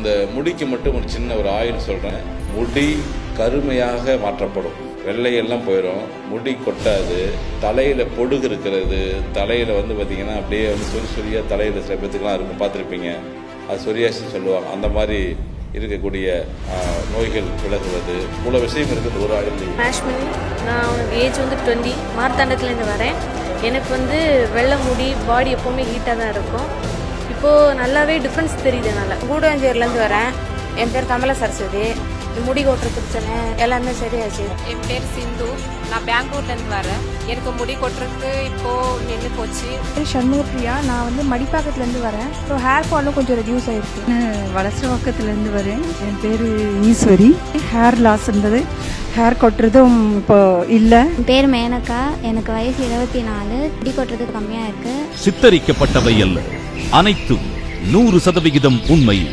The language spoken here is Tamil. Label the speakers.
Speaker 1: இந்த முடிக்கு மட்டும் ஒரு சின்ன ஒரு ஆயில் சொல்கிறேன். முடி கருமையாக மாற்றப்படும், வெள்ளையெல்லாம் போயிடும், முடி கொட்டாது, தலையில் பொடுகு இருக்கிறது, தலையில் வந்து பார்த்திங்கன்னா அப்படியே வந்து சொரியாக தலையில் சில பேத்துக்கெலாம் இருக்கும், பார்த்துருப்பீங்க. அது சொரியாசின்னு சொல்லுவாங்க. அந்த மாதிரி இருக்கக்கூடிய நோய்கள் விலகுவது, இவ்வளோ விஷயம் இருக்குது ஒரு ஆயில்.
Speaker 2: மேஷ்மணி, நான் உனக்கு ஏஜ் வந்து 20, மார்த்தாண்டத்துலேருந்து வரேன். எனக்கு வந்து வெள்ளை முடி, பாடி எப்போவுமே ஹீட்டாக தான் இருக்கும். இப்போது நல்லாவே டிஃப்ரென்ஸ் தெரியுது. நல்லா
Speaker 3: கூடஞ்சேரிலேருந்து வரேன். என் பேர் கமல சரஸ்வதி. முடி கொட்டுற பிரச்சனை எல்லாமே சரியாச்சு.
Speaker 4: என் பேர் சிந்து, நான் பெங்களூர்லேருந்து வரேன். எனக்கு முடி கொட்டுறதுக்கு இப்போது நின்று போச்சு.
Speaker 5: சண்முகப்பிரியா, நான் வந்து மடிப்பாக்கத்துலேருந்து வரேன். ஸோ ஹேர் ஃபாலும் கொஞ்சம் ரெடியூஸ் ஆகிருக்கு.
Speaker 6: வளசரவாக்கத்துலேருந்து வரேன். என் பேர் ஈஸ்வரி. ஹேர் லாஸ் இருந்தது, ஹேர் கொட்டுறதும் இப்போ இல்லை.
Speaker 7: என் பேர் மேனகா, எனக்கு வயசு 24, முடி கொட்டுறது கம்மியாக இருக்குது.
Speaker 8: சித்தரிக்கப்பட்டவை அல்ல, அனைத்தும் 100% உண்மை.